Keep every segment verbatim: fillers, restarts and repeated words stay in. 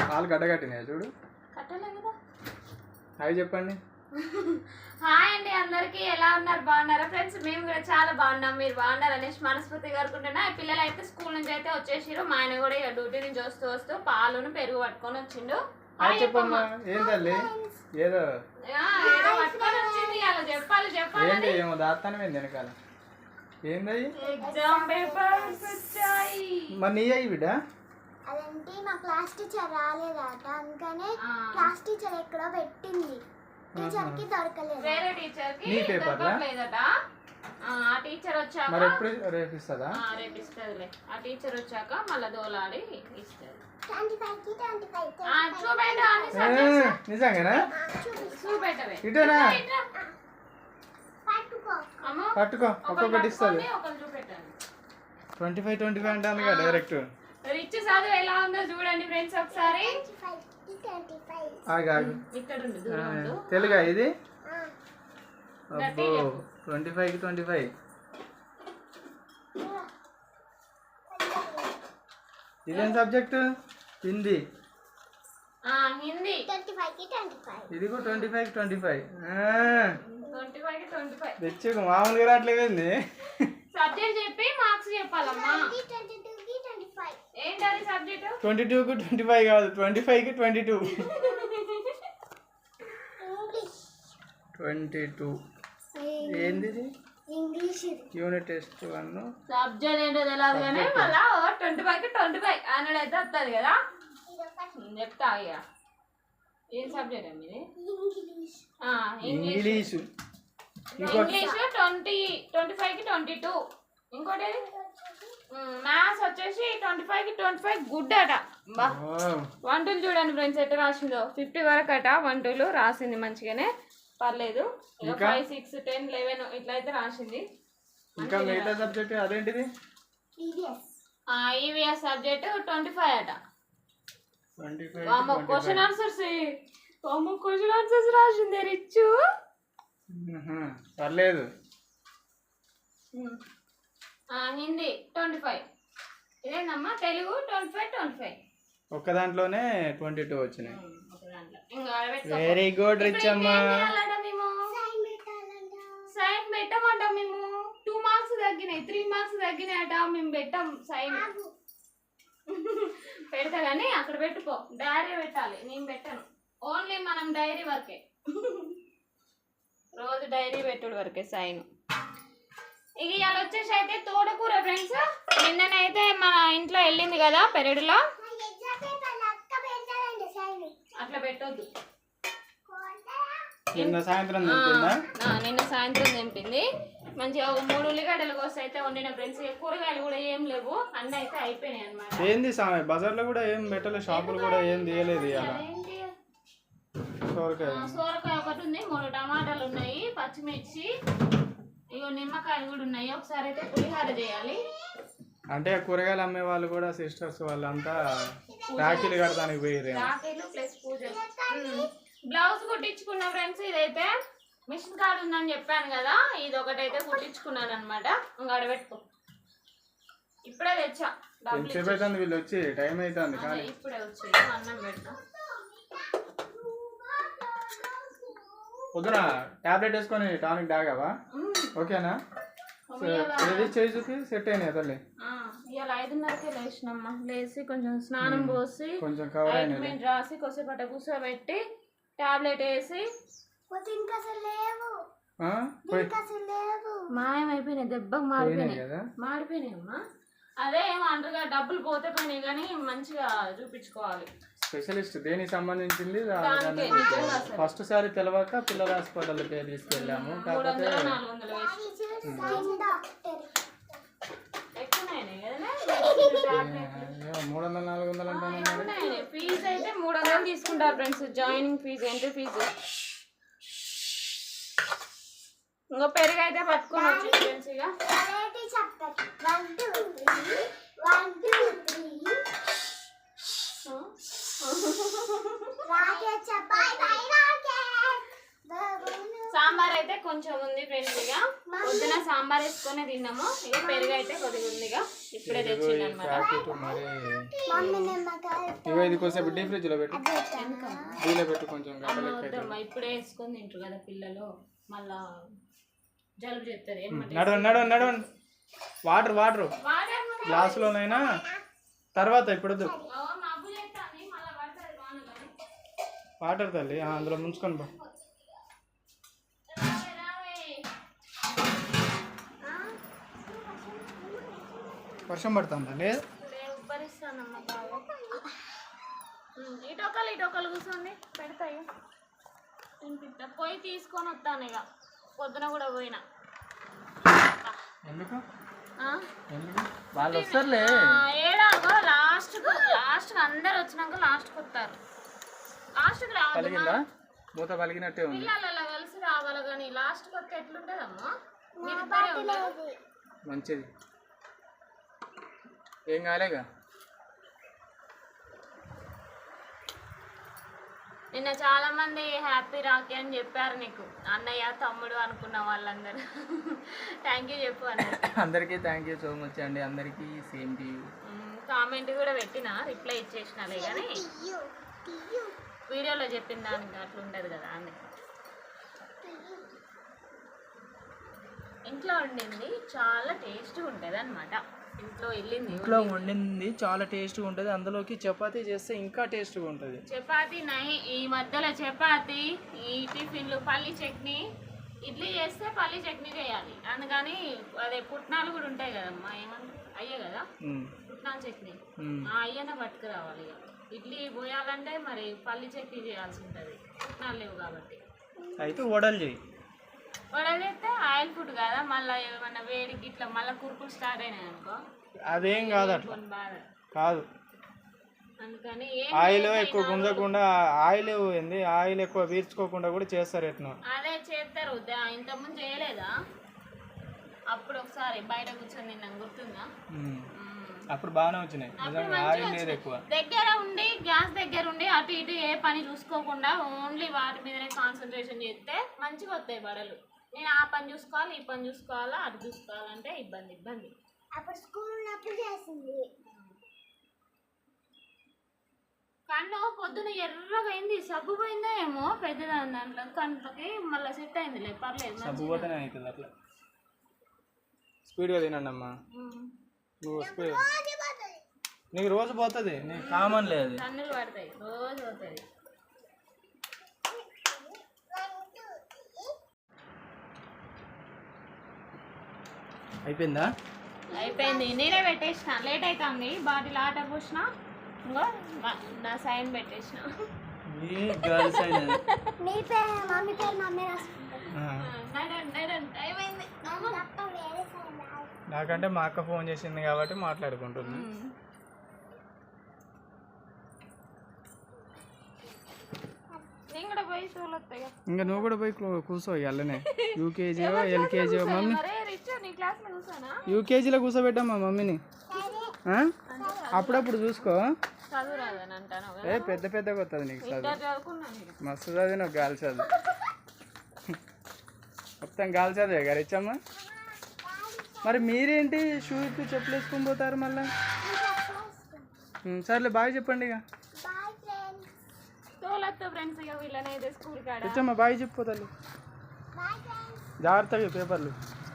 కాలు గడ్డగట్టినాయి చూడు. కట్టలే కదా. హాయ్ చెప్పండి. హాయ్ అండి అందరికి, ఎలా ఉన్నారు? బాగున్నారా ఫ్రెండ్స్? మేము కూడా చాలా బాగున్నాం. మీరు బాగున్నారు అనేసి మనస్ఫూర్తిగా కోరుకుంటున్నా. పిల్లలు అయితే స్కూల్ నుంచి అయితే వచ్చేసారు. మా ఆయన కూడా ఇక డ్యూటీ నుంచి వస్తూ వస్తూ పాలును పెరుగు పట్టుకొని వచ్చిండు. చెప్పమ్మా. ఏం తల్లి ఏదో ఏదో పట్టుకొని వచ్చింది, అలా చెప్పాలి చెప్పాలి. ఏమో దాస్తానే వెనకాల ఏంది ఎగ్జామ్ పేపర్స్ వచ్చాయి. మరి నీ అయ్యి బిడ్డ అదేంటి మా క్లాస్ టీచర్ రాలేదట, అందుకనే క్లాస్ టీచర్ ఎక్కడో పెట్టింది, టీచర్ కి దొరకలేదు. వేరే టీచర్ కి దొరకలేదట. ఆ టీచర్ వచ్చాక మరి ఎప్పుడు రేపు ఇస్తుందా? రేపు ఇస్తుందిలే. ఆ టీచర్ వచ్చాక మళ్ళీ దోలాడి ఇస్తుంది. నిజంగానా? చూపెట్టవే ఇటేనా? పట్టుకో, ఒక్కొక్కటి ఇస్తుంది. ట్వంటీ ఫైవ్ ట్వంటీ ఫైవ్ అంటాను కదా డైరెక్ట్. రిచ్ చదువు ఎలా ఉందో చూడండి ఫ్రెండ్స్ ఒకసారి. తెలుగా ఇది? అబ్బో ట్వంటీ ఫైవ్ కి ట్వంటీ ఫైవ్. ఇదేం సబ్జెక్ట్? హిందీ. హిందీ ఇది కూడా ట్వంటీ ఫైవ్ కి ట్వంటీ ఫైవ్. తెచ్చు మామూలుగా రావట్లేదండి. సబ్జెక్ట్ చెప్పి మార్క్స్ చెప్పాలమ్మా. ఏంటది సబ్జెక్ట్? ట్వంటీ టూ కి ట్వంటీ ఫైవ్ కాదు, ట్వంటీ ఫైవ్ కి ట్వంటీ టూ. ట్వంటీ టూ ఏంది? English unit test one. Subject ఏంటో తెలియదు కానీ మళ్ళా ట్వంటీ ఫైవ్ కి ట్వంటీ ఫైవ్ హండ్రెడ్ అయితే వస్తుంది కదా. చెప్తా ఇక ఏం సబ్జెక్ట్ అండి ఇది? English. English twenty twenty five కి ట్వంటీ టూ. ఇంకోటి మ్యాథ్స్ వచ్చేసి ట్వంటీ ఫైవ్ కి ట్వంటీ ఫైవ్ గుడ్ అట. బా వన్ టూలు చూడండి ఫ్రెండ్స్ ఎట్లా రాసిందో. ఫిఫ్టీ వరకు అట వన్ టూలు రాసింది, మంచిగానే పర్లేదు. ఫైవ్ సిక్స్ టెన్ లెవెన్ ఇట్లా అయితే రాసింది. ఇంకా మిగతా సబ్జెక్ట్ అదేంటిది? ఈవీఎస్ సబ్జెక్ట్ ట్వంటీ ఫైవ్ అట. క్వశ్చన్ ఆన్సర్స్ క్వశ్చన్ ఆన్సర్స్ రాసింది రిచ్. పర్లేదు. Hindi twenty five. ఇదేనమ్మా Telugu twenty five twenty five. ఒక్క దాంట్లోనే ట్వంటీ టూ వచ్చినాయి. వెరీ గుడ్ రిచ్ అమ్మా. సైన్ పెట్టమంట మేము. టూ మార్క్స్ తగ్గినాయి, త్రీ మార్క్స్ తగ్గినాయి అట. మేము పెట్టాం సైన్. పెడతా కానీ అక్కడ పెట్టుకో, డైరీ పెట్టాలి. నేను పెట్టాను, ఓన్లీ మనం డైరీ వరకే. రోజు డైరీ పెట్టుడు వరకే సైన్. ఇక ఇవాళ వచ్చేసి అయితే తోటకూర ఫ్రెండ్స్. నిన్ననైతే మన ఇంట్లో వెళ్ళింది కదా పెరడులో, అట్లా పెట్టొద్దు. నిన్న సాయంత్రం నిన్న సాయంత్రం తెంపింది. మంచిగా ఒక మూడు ఉల్లిగడ్డలు కోసి అయితే వండిన ఫ్రెండ్స్. కూరగాయలు కూడా ఏం లేవు, అన్నీ అయితే అయిపోయినాయి అనమాట. ఏంది బజార్లో కూడా ఏం పెట్టలేదు, షాపులు కూడా ఏం తీయలేదు. సోరకాయ ఒకటి ఉంది, మూడు టమాటాలు ఉన్నాయి, పచ్చిమిర్చి, ఇగో నిమ్మకాయలు కూడా ఉన్నాయి. ఒకసారి అయితే పులిహోర చేయాలి. అంటే కూరగాయలు అమ్మే వాళ్ళు కూడా సిస్టర్స్ వాళ్ళంతా రాఖీలు కడతానికి పోయారు. రాఖీలు ప్లస్ పూజలు. బ్లౌజ్ కుట్టించుకున్న ఫ్రెండ్స్. ఇదైతే మిషన్ కార్డు ఉందని చెప్పాను కదా, ఇది ఒకటైతే కుట్టించుకున్నాను అనమాట. ఇంకా అడబెట్టుకో, ఇప్పుడే తెచ్చా. వీళ్ళు వచ్చి టైం అవుతుంది కానీ ఇప్పుడే వచ్చి అన్నం పెడతా. పొద్దున టాబ్లెట్ వేసుకొని టానిక్ తాగావా? ఓకేనా? ఏది చేయి చూపి సెట్ అయినాయి తల్లి. ఇవాళ ఐదున్నరకే లేచినమ్మా. లేచి కొంచెం స్నానం పోసి కొంచెం కవర్ ఆయింట్మెంట్ రాసి కొద్దిసేపట కూర్చోబెట్టి టాబ్లెట్ వేసి మాయమైపోయినాయి. దెబ్బకు మాడిపోయినాయి మాడిపోయినాయమ్మా. అదే ఏమో అంటారుగా, డబ్బులు పోతే పోయినాయి కానీ మంచిగా చూపించుకోవాలి. స్పెషలిస్ట్ దేనికి సంబంధించింది. ఫస్ట్ సారి తెలవక పిల్లల హాస్పిటల్ పేరు తీసుకెళ్ళాము. కాకపోతే మూడు వందల నాలుగు వందలు అంటాను. ఫీజు అయితే మూడు వందలు తీసుకుంటారు friends, joining fee. Entry fee. ఇంకో పెరుగు అయితే పట్టుకొని వచ్చి ఫ్రెండ్స్. ఇక సాంబార్ అయితే కొంచెం కొంచెం ఉంది ఫ్రెండ్స్. ఇక పొద్దున సాంబార్ వేసుకొని తిన్నాము. ఇక పెరుగు అయితే కొద్దిగా ఉంది. ఇక ఇప్పుడే తెచ్చింది అనమాట. మరి మమ్మీ నిమ్మకాయ ఇగో ఇది కొంచెం డీప్ ఫ్రిడ్జ్ లో పెట్టు, డీలో పెట్టు కొంచెం గడ్డ లెక్క అయితే. వద్దమ్మా, ఇప్పుడే వేసుకొని తింటారు కదా పిల్లలు, మళ్ళా జలుబు చేస్తారు. ఏమంటే నడవండి నడవండి నడవండి. వాటర్ వాటర్ గ్లాసులోనైనా తర్వాత ఇప్పుడు వద్దు. మబ్బు చేస్తాను మళ్ళీ పడుతుంది వాన కానీ. వాటర్ తల్లి ఆ, అందులో ముంచుకొని బా. రావే, రావే. వర్షం పడుతుందా? లేదు లే, ఉబ్బరిస్తానమ్మా బాగా. ఉమ్, ఇటొకలు ఇటొకలు కూర్చోండి, పెడతాయి తినిపిస్తా. పోయి తీసుకొని వస్తాను. ఇక పొద్దున కూడా పోయినా. ఎందుకు ఆ? ఎందుకు వాళ్ళు వస్తారులే. ఏడాగో లాస్ట్ లాస్ట్ అందరు వచ్చినాక లాస్ట్ వస్తారు. లాస్ట్కి రావాలి పలిగిందా? మూత పలిగినట్టే ఉంది. పిల్లలు కలిసి రావాలి కానీ లాస్ట్కి వస్తే ఎట్లుంటుందమ్మా? మీరిద్దరే ఉంటారు. మంచిది, ఏం కాలేగా. నిన్న చాలా మంది హ్యాపీ రాఖీ అని చెప్పారు నీకు, అన్నయ్య తమ్ముడు అనుకున్న వాళ్ళందరూ. థ్యాంక్ యూ చెప్పు అన్నారు. అందరికీ థ్యాంక్ యూ సో మచ్ అండి. అందరికీ సేమ్ టు యూ. కామెంట్ కూడా పెట్టిన, రిప్లై ఇచ్చేసినాలే కానీ వీడియోలో చెప్పిన దానికి అట్లా ఉండదు కదా అని. ఇంట్లో వండింది చాలా టేస్ట్గా ఉంటుంది అనమాట. ఇంట్లో వెళ్ళింది ఇంట్లో వండింది చాలా టేస్ట్గా ఉంటుంది. అందులోకి చపాతీ చేస్తే ఇంకా టేస్ట్గా ఉంటుంది. చపాతీ నై ఈ మధ్యలో చపాతీ, ఈ టిఫిన్లు పల్లి చట్నీ, ఇడ్లీ చేస్తే పల్లి చట్నీ చేయాలి. అందుకని అదే పుట్నాలు కూడా ఉంటాయి కదమ్మా, ఏమన్నా అయ్యే కదా పుట్నాల చట్నీ, ఆ అయ్యనే పట్టుకురావాలి. ఇక ఇడ్లీ పోయాలంటే మరి పల్లి చట్నీ చేయాల్సి ఉంటుంది, పుట్నాలు లేవు కాబట్టి. అయితే వడలు చేయి. వడలు చేస్తే ఆయిల్ ఫుడ్ కదా, మళ్ళీ ఏమన్నా వేడికి ఇట్లా మళ్ళీ కురుకులు స్టార్ట్ అయినాయి అనుకో, అదేం కాదు, అట్లా బాధ. కాదు. అందుకని ఆయిల్ ఎక్కువ గుంజకుండా, ఆయిల్ ఏంది ఆయిల్ ఎక్కువ పీల్చుకోకుండా కూడా చేస్తారు. ఎట్లా అదే చేస్తారు. ఇంతకుముందు చేయలేదా? అప్పుడు ఒకసారి బయట కూర్చొని తిన్నాం, గుర్తుందా? అప్పుడు బాగానే వచ్చినాయి. ఆయిల్ లేదు ఎక్కువ. దగ్గర ఉండి గ్యాస్ దగ్గర ఉండి అటు ఇటు ఏ పని చూసుకోకుండా ఓన్లీ వాటి మీదనే కాన్సన్ట్రేషన్ చేస్తే మంచిగా వస్తాయి వడలు. నేను ఆ పని చూసుకోవాలి, ఈ పని చూసుకోవాలా, అటు చూసుకోవాలంటే ఇబ్బంది ఇబ్బంది. అప్పుడు స్కూల్ ఉన్నప్పుడు చేసింది. కన్ను పొద్దున ఎర్రగా అయింది, సబ్బు పోయిందో ఏమో పెద్దదాని దాంట్లో కంట్లోకి, మళ్ళీ సెట్ అయిందిలే, పర్లేదు. సబ్బు పోతేనే అవుతుంది అట్లా. స్పీడ్గా తినండి అమ్మా. నువ్వు స్పీడ్ నీకు రోజు పోతుంది, నీకు కామన్ లేదు. కన్నులు పడతాయి, రోజు పోతుంది. అయిపోయిందా? అయిపోయింది, నేనే పెట్టేసిన. లేట్ అవుతుంది, బాటిల్ ఆట పోసిన, ఇంకో నా సైన్ పెట్టేసిన. మీ పేరు మమ్మీ పేరు మమ్మీ రాసుకుంటారు. అయిపోయింది. నాకంటే మా అక్క ఫోన్ చేసింది కాబట్టి మాట్లాడుకుంటున్నా. ఇంకా నువ్వు కూడా పోయి కూర్చో అల్లనే. యూకేజీ ఎల్కేజీ మమ్మీ యూకేజీలో కూర్చోబెట్టమ్మా మమ్మీని. అప్పుడప్పుడు చూసుకో. ఏ పెద్ద పెద్దగా వస్తుంది నీకు చదువు. మస్తు చదివి నువ్వు గాలి చదువు, మొత్తం గాలి చదివే గారు ఇచ్చమ్మా. మరి మీరేంటి షూ ఇప్పి చెప్పులు వేసుకొని పోతారు మళ్ళీ? సర్లే బాయ్ చెప్పండి. ఇక ఇచ్చమ్మా బాయ్ చెప్పిపోతారు. జాగ్రత్తగా పేపర్లు.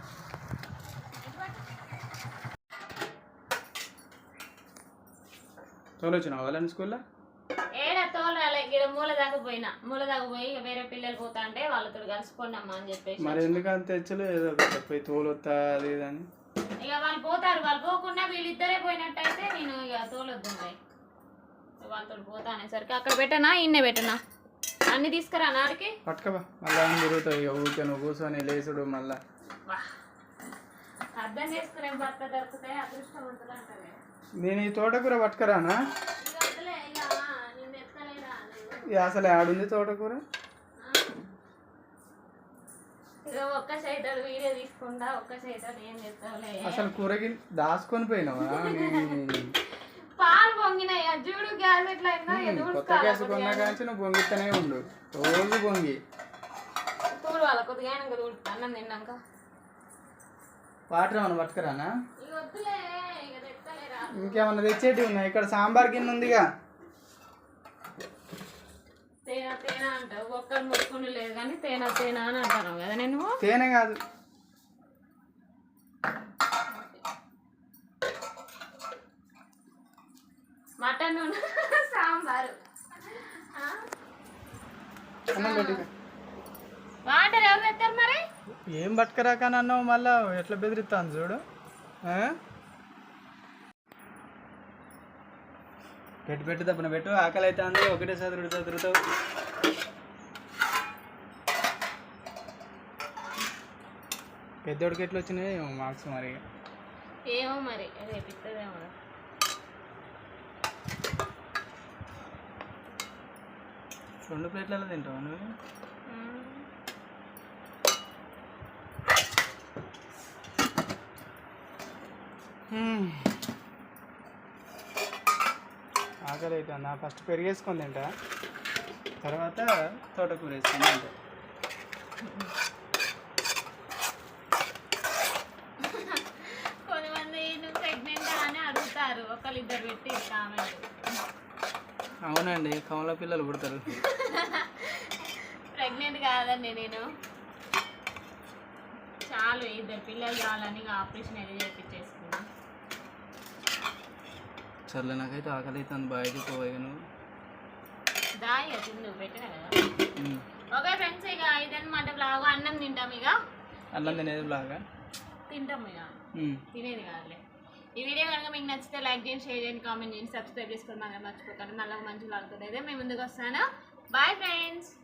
తోలొచ్చిన వాళ్ళని స్కూల్లో ఏడా తోలు రాలే. ఇక్కడ మూల దాకా పోయినా, మూల దాకా పోయి వేరే పిల్లలు పోతా అంటే వాళ్ళతో కలిసిపోండమ్మా అని చెప్పేసి. మరి ఎందుకంత తెచ్చలు ఏదో పోయి తోలొత్తా అది అని. ఇక వాళ్ళు పోతారు, వాళ్ళు పోకుండా వీళ్ళిద్దరే పోయినట్టయితే నేను ఇక తోలొద్దు, వాళ్ళతో పోతా అనేసరికి అక్కడ పెట్టనా ఇన్నే పెట్టనా అన్ని తీసుకురా నాడికి పట్టుకబా. మళ్ళీ ఏం తిరుగుతావు ఇక ఊరికే నువ్వు కూర్చొని లేచుడు. మళ్ళా అర్థం చేసుకునే భర్త దొరికితే అదృష్టవంతులు అంటారు. నేను ఈ తోటకూర పట్టుకురానా? అసలు ఆడుంది తోటకూర. ఒక్క సైతాడు వీడియో తీసుకుంటా, ఒక్క సైతాడు ఏం చేస్తావులే. అసలు కూరకి దాచుకొని పోయినావా? పాలు పొంగినాయి చూడు, గ్యాస్ ఎట్లా కొత్త గ్యాస్ కొన్నా కానీ నువ్వు పొంగితేనే ఉండు, రోజు పొంగి. చూడు తుడవాలి కొద్దిగా అయినాక తుడుతా అన్నం తిన్నాక. వాటర్ ఏమన్నా పట్టుకురానా? ఇక వద్దులే ఇక తెత్తలేరా. ఇంకేమన్నా తెచ్చేటివి ఉన్నాయి? ఇక్కడ సాంబార్ గిన్నె ఉందిగా. తేనా తేనా అంటావు, ఒక్కరు మొక్కుని లేదు కానీ తేనా తేనా అని అంటాను కదా నేను. తేనె కాదు, మటన్ సాంబారు. అన్నం పెట్టి. వాటర్ ఎవరు తెస్తారు మరి? ఏం పట్టుకురాకని అన్నావు మళ్ళా ఎట్లా బెదిరిస్తాను చూడు. ఆ? పెట్టు పెట్టు తప్పన పెట్టు, ఆకలి అయితే అంది ఒకటే చదురు చదురుతావు. పెద్దోడికి ఎట్లా వచ్చినాయి మార్క్స్ మరి? ఏమో మరి రేపు ఇస్తుందేమో. రెండు ప్లేట్లలో తింటావు నువ్వు? ఆకలి అయితే నా ఫస్ట్ పెరిగేసుకొని తింటా, తర్వాత తోటకూర వేసుకొని తింటా. కొంతమంది నువ్వు ప్రెగ్నెంట్ అని అడుగుతారు, ఒకళ్ళు ఇద్దరు పెట్టి కామెంట్. అవునండి, కమల పిల్లలు పుడతారు. ప్రెగ్నెంట్ కాదండి నేను, చాలు ఇద్దరు పిల్లలు చాలని ఆపరేషన్ ఏది చేయించేసుకున్నా. సర్లే, నాకైతే ఆకలి అవుతుంది, బాగా పోయి నువ్వు దాయి తిందు పెట్టినా కదా. ఓకే ఫ్రెండ్స్, ఇక ఇదన్నమాట బ్లాగ్. అన్నం తింటాం, ఇక అన్నం తినేది లాగా తింటాం, ఇక తినేది కాదులే. ఈ వీడియో కనుక మీకు నచ్చితే లైక్ చేయండి, షేర్ చేయండి, కామెంట్ చేయండి, సబ్స్క్రైబ్ చేసుకోండి. మాకు మర్చిపోకండి. మళ్ళీ మంచి బ్లాగ్ అయితే మేము ముందుకు వస్తాను. Bye friends.